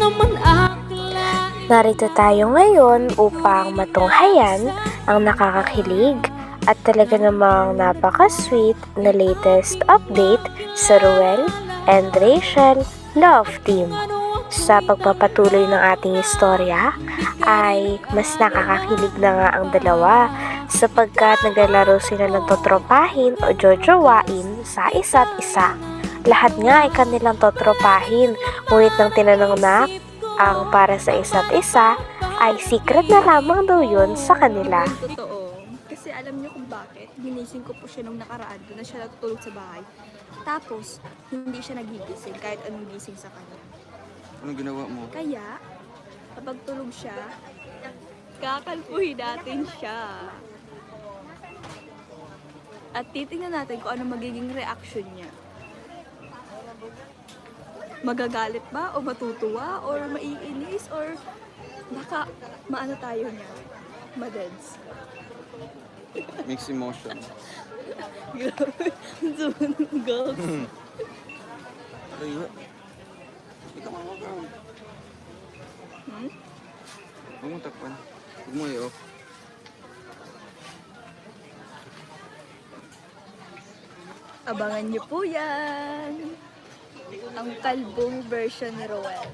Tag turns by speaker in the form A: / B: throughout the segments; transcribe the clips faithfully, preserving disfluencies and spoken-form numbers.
A: Narito tayo ngayon upang matunghayan ang nakakakilig at talaga namang napaka-sweet na latest update sa Ruel and Rachel Love Team. Sa pagpapatuloy ng ating istorya ay mas nakakakilig na nga ang dalawa sapagkat naglalaro sila ng totropahin o jojowain sa isa't isa. Lahat nga ay kanilang totropahin, ngunit nang tinanong na ang para sa isa't isa ay secret na lamang daw yun sa kanila.
B: Totoo. Kasi alam niyo kung bakit. Ginising ko po siya nung nakaraan. Doon na siya natutulog sa bahay. Tapos, hindi siya nagigising kahit anong gising sa kanya.
C: Anong ginawa mo?
B: Kaya, kapag tulog siya, kakalpuhin natin siya. At titingnan natin kung ano magiging reaction niya. Magagalit ba o matutuwa or maiinis or baka maano tayo niya, madeds.
C: Mixed emotion.
B: Girls.
C: Ay, ikaw mga ka.
B: Hmm?
C: Huwag mo takpan. Huwag mo i-off.
B: Abangan niyo po yan. Ang kalbong version ni Roel.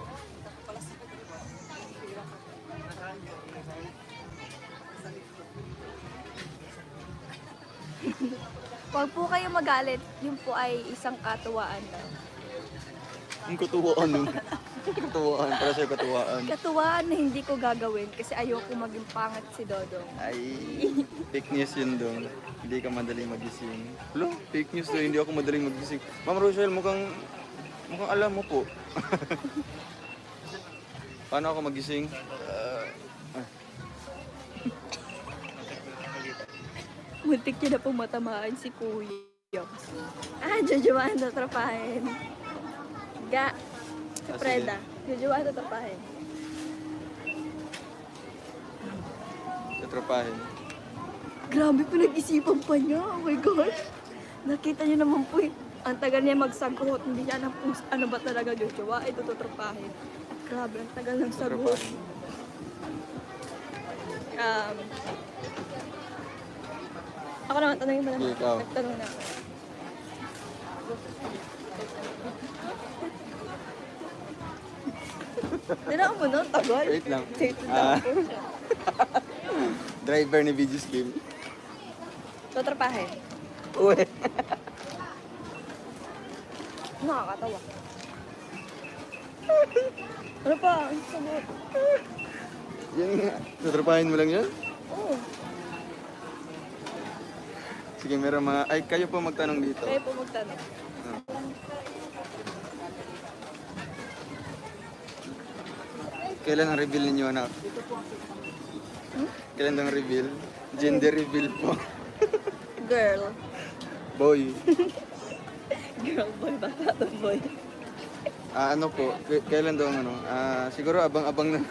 B: Huwag po kayo magalit, yun po ay isang katuwaan lang.
C: Ang katuwaan nun. Katuwaan. Para sa'yo katuwaan.
B: Katuwaan na hindi ko gagawin kasi ayoko maging pangat si Dodong.
C: Ay, fake news yun dong. Hindi ka madaling magising. Hello? Fake news daw. Hindi ako madaling magising. Ma'am Rochelle, mukhang... Mukhang alam mo po. Paano ako magising? Uh, ah.
B: Muntik niya na pong matamaan si Kuya. Ah, jojoan na trapahin. Ga. Si
C: Ah,
B: Preda. Jojoan na trapahin.
C: Tatrapahin.
B: Grabe, pinag-isipan pa niya. Oh my gosh. Nakita niyo naman po eh. Ang tagal niya magsagot. Hindi niya alam kung ano ba talaga jojoa. Ito tutropahin. Grabe, ang tagal ng sagot.
C: Tatrapahin.
B: Um, ako naman, tanongin mo naman.
C: Sige, ikaw.
B: Nagtanong na ako. Dinaan mo nun, tagal.
C: Wait lang.
B: Wait
C: Ah.
B: lang po siya.
C: Driver ni V G's game.
B: Tutropahin.
C: Uwe.
B: Nakakatawa. Ano pa? Ang sagot.
C: Yan nga. Tatrapahin mo lang yan?
B: Oo.
C: Sige, meron mga... Ay, kayo po magtanong dito.
B: Kaya po magtanong.
C: Kailan ang reveal ninyo, anak?
B: Hmm?
C: Kailan ang reveal? Gender reveal po.
B: Girl.
C: Boy.
B: Girl boy, bata boy.
C: Ah, ano po? K- kailan daw ang ano? Ah, siguro abang-abang na.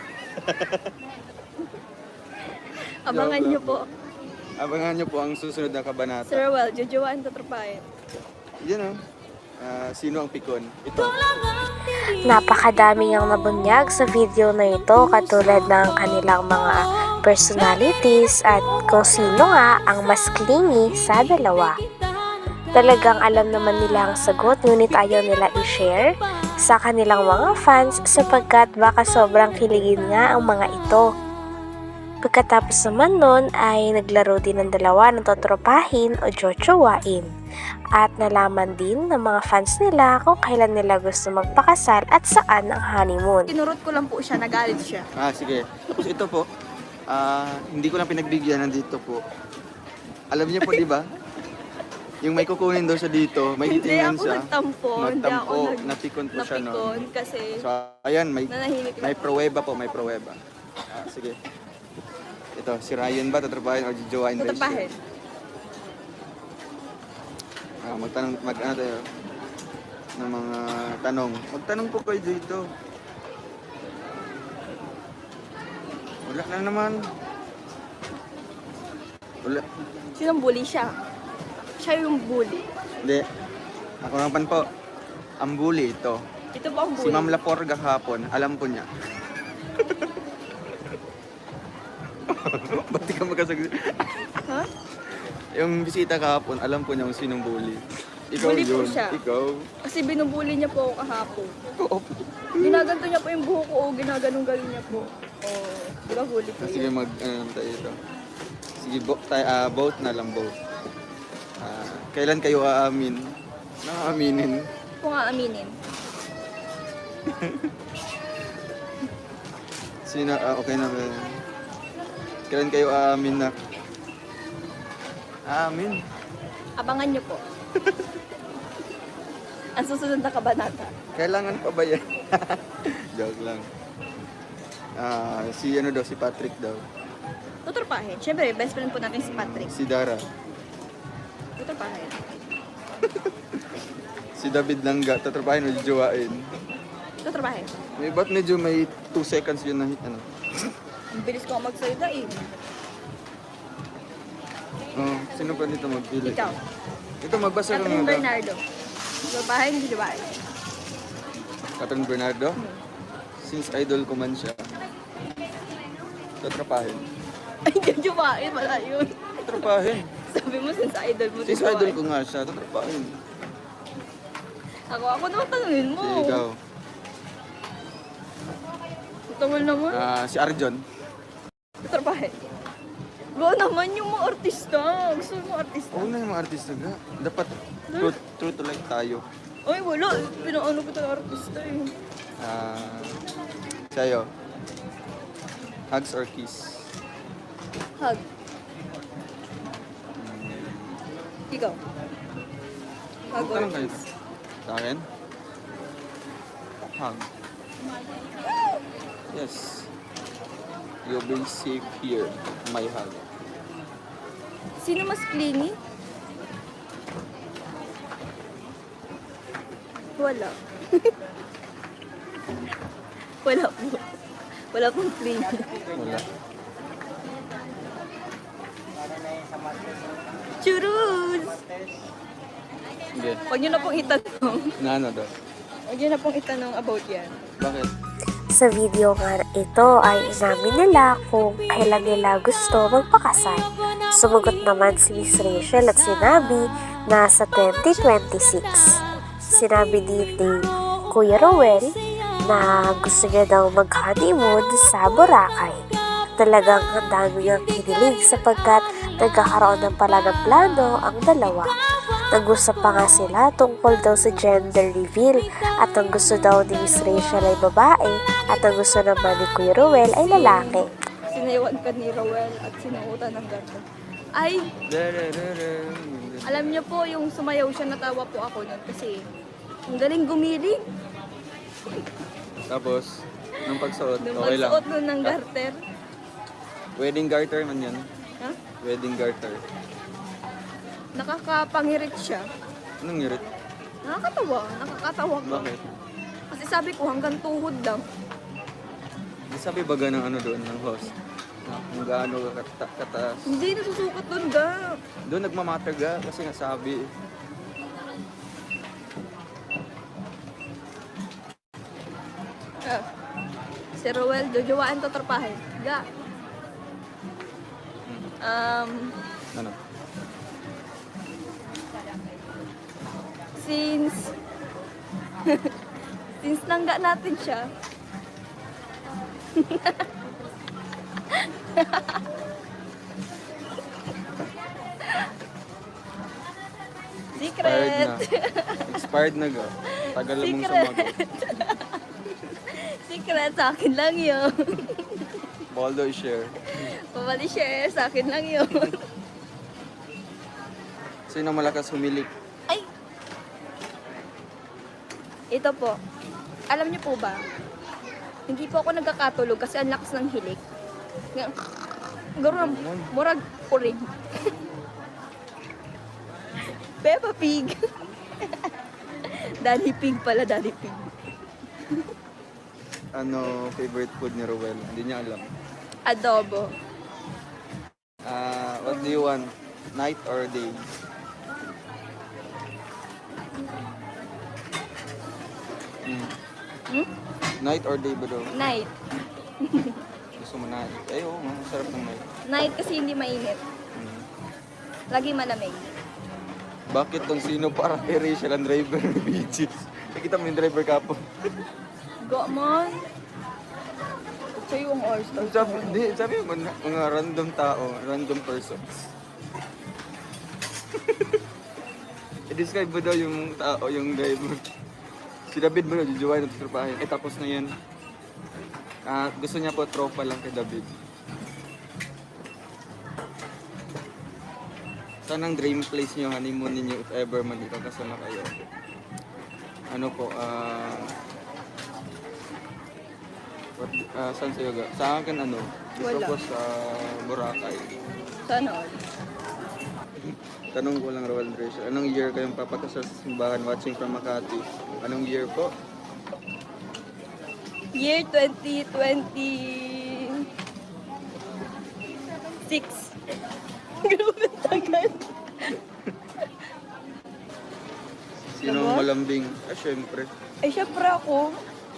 B: Abangan
C: Joke
B: niyo
C: lang
B: po.
C: Abangan nyo po ang susunod na kabanata.
B: Sir Well, jojoan tutropahin.
C: Yan o. Ah, sino ang pikon? Ito.
A: Napakadami ang nabunyag sa video na ito katulad ng kanilang mga personalities at kung sino nga ang mas clingy sa dalawa. Talagang alam naman nila ang sagot ngunit ayaw nila i-share sa kanilang mga fans sapagkat baka sobrang kiligin nga ang mga ito. Pagkatapos naman nun ay naglaro din ng dalawa ng totropahin o jojowain at nalaman din ng mga fans nila kung kailan nila gusto magpakasal at saan ang honeymoon.
B: Tinurot ko lang po siya, nagalit siya.
C: Ah, sige. Tapos ito po. Ah, hindi ko lang pinagbigyan. Nandito po. Alam niyo po, di ba? Yung may kukunin daw siya dito, may
B: Hindi
C: titingnan
B: ako
C: siya.
B: nagtampo. Hindi ako
C: Nagtampo.
B: nag...
C: Napikon po siya no.
B: Napikon kasi
C: So, ayan, may,
B: nanahimik
C: may
B: lang.
C: pruweba po, may pruweba. Ah, sige. Ito, si Ryan ba tatrapahin o jojowain ba siya?
B: Tutropahin.
C: Ah, magtanong, mag ano tayo, ng mga tanong. Magtanong po kayo dito. Wala na naman. Wala.
B: Sinong bully siya? Siya yung bully.
C: Hindi. Ako naman po. Ang bully ito.
B: Ito po ang
C: Si
B: bully.
C: Ma'am Laporga kahapon, alam po niya. Ba't di ka magkasagot?
B: Ha?
C: Yung bisita kahapon, alam po niya kung sinong bully. Ikaw
B: Bully po
C: yun.
B: siya.
C: Ikaw.
B: Kasi binubuli niya po ako kahapon.
C: Oo.
B: Ginaganto niya po yung buhok ko, o ginaganong-galing niya po. Oh, di ba bully po
C: Ah, sige,
B: yun?
C: mag, ano tayo ito. Sige, bo, tayo, ah, vote na lang, vote. Ah, kailan kayo aamin? Naaaminin.
B: Kung aaminin.
C: Sino, ah, okay na ba? Kailan kayo aamin na? Aamin.
B: Abangan niyo po. Ang susunod na kabanata.
C: Kailangan pa ba yan? Joke lang. Ah, si ano daw, si Patrick daw.
B: Tuturpahin. Siyempre, best friend po natin si Patrick.
C: Si Dara.
B: Tuturpahin.
C: Si David Langga, tatrapahin o jowain.
B: Tuturpahin.
C: May ba't medyo may two seconds yun na ano?
B: Ang bilis ko magsalita eh.
C: Oh, sino pa dito magpili?
B: Ikaw.
C: Ito magbasa ka
B: Catherine
C: nga daw.
B: Bernardo. Tuturpahin, hindi tuturpahin.
C: Catherine Bernardo? Since idol ko man siya. Tatrapahin.
B: Ay, hindi tuturpahin. Wala yun.
C: Tatrapahin.
B: Sabi mo, since idol mo.
C: Since
B: tuturpahin.
C: idol ko nga siya, tatrapahin.
B: Ako, ako naman tanungin mo.
C: Si ikaw.
B: Tungol naman.
C: Ah, si Arjon.
B: Tuturpahin. Go naman yung mga artista. Gusto mo artista?
C: Oo na yung mga artista nga. Dapat true, true to life tayo.
B: Ay, wala. Pinaano ko talaga artista eh.
C: Ah, sa'yo. Hugs or kiss?
B: Hug. Ikaw. Hug or
C: Tanong kayo.
B: kiss?
C: Sa akin? Hug. Yes. You'll be safe here. My hug.
B: Sino mas clingy? Wala. Wala po. Wala pong clingy.
C: Wala.
B: Churus!
C: Sige.
B: Huwag niyo na pong itanong.
C: Na ano daw?
B: Huwag niyo na pong itanong about yan.
C: Bakit?
A: Sa video nga ito ay inamin nila kung kailan nila gusto magpakasal. Sumagot naman si Miss Rachel at sinabi na sa twenty twenty-six. Sinabi din ni Kuya Rowel na gusto niya daw mag-honeymoon sa Boracay. Talagang ang dami niyang kinilig sapagkat nagkakaroon ng pala ng plano ang dalawa. Nag-usap pa nga sila tungkol daw sa gender reveal at ang gusto daw ni Miss Rachel ay babae at ang gusto naman ni Kuya Rowel ay lalaki.
B: Sinayawan ka ni Rowel at sinuutan ng ganda. Ay, alam niyo po, yung sumayaw siya, natawa po ako nun kasi ang galing gumiling.
C: Tapos, nung pagsuot,
B: Nung
C: okay lang.
B: magsuot nun ng garter.
C: Wedding garter man yan.
B: Ha?
C: Wedding garter.
B: Nakakapangirit siya.
C: Anong ngirit?
B: Nakakatawa. Nakakatawa ka.
C: Bakit?
B: Kasi sabi ko hanggang tuhod lang.
C: Di sabi baga ng ano doon, ng host. Na kung gaano ka kata- kataas.
B: Hindi nasusukat doon ga.
C: Doon nagmamatter ga kasi nga sabi.
B: Ah. Si Rowel, jojowain to trapahin. Ga. Um,
C: Ano?
B: since since nangga natin siya.
C: Expired
B: Secret.
C: na. Expired na ga. Tagal mong
B: Secret.
C: sumagot.
B: Secret, sa akin lang yun.
C: Baldo i-share.
B: Pabali share, sa akin lang yun.
C: Sino malakas humilik?
B: Ay! Ito po. Alam niyo po ba? Hindi po ako nagkakatulog kasi ang lakas ng hilik. Nga- Garo, murag uring. Peppa Pig. Daddy Pig pala, Daddy Pig.
C: Ano favorite food ni Rowel? Hindi niya alam.
B: Adobo.
C: Ah, what do you want? Night or day? Mm.
B: Hmm?
C: Night or day ba daw?
B: Night.
C: Gusto mo night? Ay, oo, masarap ng night.
B: Night kasi hindi mainit.
C: Mm.
B: Lagi malamig.
C: Bakit tong sino para kay Rachel ang driver ni B G? Nakita mo yung driver kapo.
B: Go man. Sa'yo ang all-star.
C: Sabi, di, sabi mo, mga, mga random tao, random persons. I-describe mo daw yung tao, yung driver. Si David mo na, jujuwain at trupahin. Eh, tapos na yan. Ah, gusto niya po tropa lang kay David. Saan ang dream place niyo, honeymoon ninyo, if ever man dito kasama kayo? Ano po, ah... what, ah, saan sa'yo ga? Sa akin ano, gusto
B: Wala.
C: ko sa Boracay.
B: Sana all.
C: Tanong ko lang, Rowan Rachel, anong year kayong papakasal sa simbahan watching from Makati? Anong year po?
B: Year twenty twenty-six. Grabe tagal.
C: Sino ang malambing? Ah, syempre.
B: Ay, syempre ako.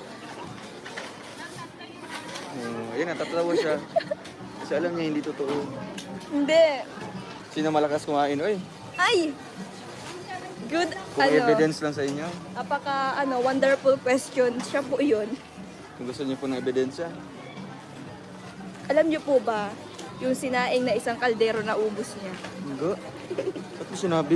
C: Oh, ayun, natatawa siya. Kasi alam niya hindi totoo.
B: Hindi.
C: Sino malakas kumain? Oy,
B: Ay! Good,
C: kung
B: ano,
C: evidence lang sa inyo.
B: apaka, ano, wonderful question. Siya po yun.
C: Kung gusto niyo po ng ebidensya.
B: Alam niyo po ba, yung sinaing na isang kaldero na ubos niya?
C: Hindi. Ba't mo sinabi?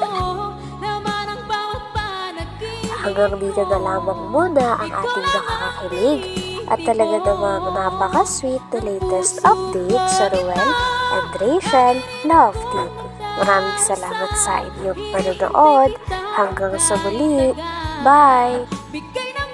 A: Hanggang dito na lamang muna ang ating nakakakilig at talaga namang napaka-sweet na latest update sa Ruel and Rachel Love Team. Maraming salamat sa inyong panonood. Hanggang sa muli. Bye!
D: Bigay na